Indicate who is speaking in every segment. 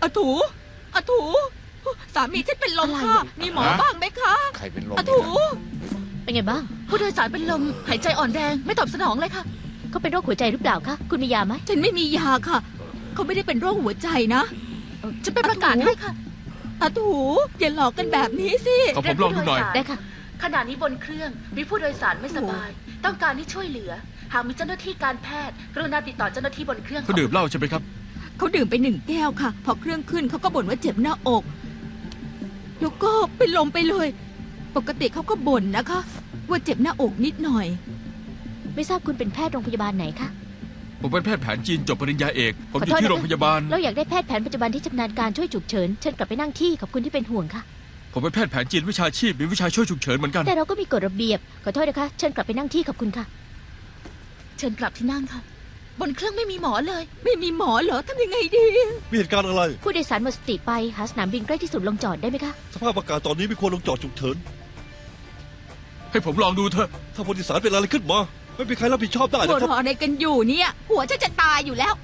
Speaker 1: อาถูอาถูสามีฉันเป็นลมค่ะมีหมอบ้างไหมคะ
Speaker 2: ใครเป็นลม
Speaker 1: อาถู
Speaker 3: เป็นไงบ้าง
Speaker 1: ผู้โดยสารเป็นลมหายใจอ่อนแรงไม่ตอบสนองเลยค่ะ
Speaker 3: เขาเป็นโรคหัวใจหรือเปล่าคะคุณมียาไหม
Speaker 1: ฉันไม่มียาค่ะเขาไม่ได้เป็นโรคหัวใจนะจะไปประกาศให้ค่ะอาถูอย่าหลอกกันแบบนี้สิ
Speaker 4: ขอผมลองดูหน่อย
Speaker 3: ได้ค่ะ
Speaker 5: ขณะนี้บนเครื่องมีผู้โดยสารไม่สบาย ต้องการให้ช่วยเหลือ หากมีเจ้าหน้าที่การแพทย์กรุณาติดต่อเจ้าหน้าที่บนเครื่อง
Speaker 4: เขาดื่มเหล้าใช่ไหมครับ
Speaker 1: เขาดื่มไป1 แก้วค่ะพอเครื่องขึ้นเขาก็บ่นว่าเจ็บหน้าอกแล้วก็เป็นลมไปเลย ปกติเขาก็บ่นนะคะ ว่าเจ็บหน้าอกนิดหน่อย
Speaker 3: ไม่ทราบคุณเป็นแพทย์โรงพยาบาลไหนคะ
Speaker 4: ผมเป็นแพทย์แผนจีนจบปริญญาเอก ผมอยู่
Speaker 3: ขอโทษ
Speaker 4: ที่
Speaker 3: นะคะ
Speaker 4: โรงพยาบาล
Speaker 3: เราอยากได้แพทย์แผนปัจจุบันที่ชำนาญการช่วยฉุกเฉินเชิญกลับไปนั่งที่ขอบคุณที่เป็นห่วงค่ะ
Speaker 4: ผมเป็นแพทย์แผนจีนวิชาชีพมีวิชาช่วยฉุกเฉินเหมือนกัน
Speaker 3: แต่เราก็มีกฎระเบียบขอโทษนะคะเชิญกลับไปนั่งที่ขอบคุณค่ะ
Speaker 1: เชิญกลับที่นั่งค่ะ บนเครื่องไม่มีหมอเลย ไม่มีหมอเหรอทำยังไงดี
Speaker 6: มีเหตุการณ์อะไร
Speaker 3: ผู้โดยสารหมดสติไปหาสนามบินใกล้ที่สุดลงจอดได้ไหมคะ
Speaker 6: สภาพอากาศตอนนี้ไม่ควรลงจอดฉุกเฉิน
Speaker 4: ให้ผมลองดูเถอะ
Speaker 6: ถ้าผู้โดยสารเป็นอะไรขึ้นมา ไม่มีใครรับผิดชอบได้
Speaker 1: หัว
Speaker 6: นะครับ
Speaker 1: เราะอะไรกันอยู่เนี่ย หัวฉันจะตายอยู่แล้ว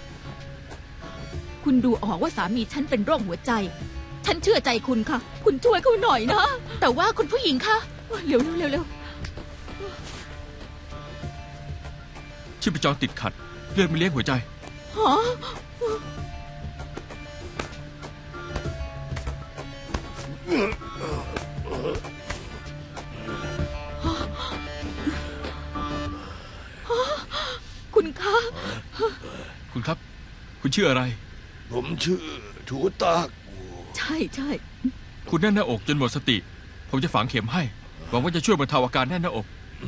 Speaker 1: คุณดูออกว่าสามีฉันเป็นโรคหัวใจ ฉันเชื่อใจคุณค่ะ คุณช่วยเขาหน่อยนะ แต่ว่าคุณผู้หญิงคะเร็วเร็วเร็ว
Speaker 4: ชีพจรติดขัด เลือดไม่เลี้ยงหัวใจ
Speaker 1: ฮะคุณคะ
Speaker 4: คุณครับ คุณชื่ออะไร
Speaker 2: ผมชื่อถูตาก
Speaker 1: ใช่ใช่
Speaker 4: คุณแน่นหน้าอกจนหมดสติ ผมจะฝังเข็มให้ หวังว่าจะช่วยบรรเทาอาการแน่นหน้าอก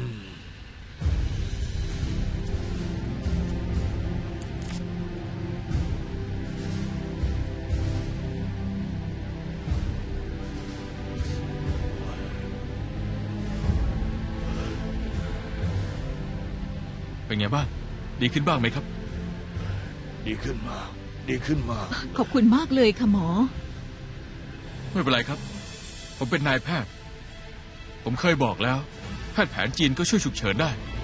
Speaker 4: เป็นไงบ้าง ดีขึ้นบ้างไหมครับ
Speaker 2: ดีขึ้นมา ดีขึ้นมา
Speaker 1: ขอบคุณมากเลยค่ะหมอ
Speaker 4: ไม่เป็นไรครับ ผมเป็นนายแพทย์ ผมเคยบอกแล้ว แพทย์แผนจีนก็ช่วยฉุกเฉินได้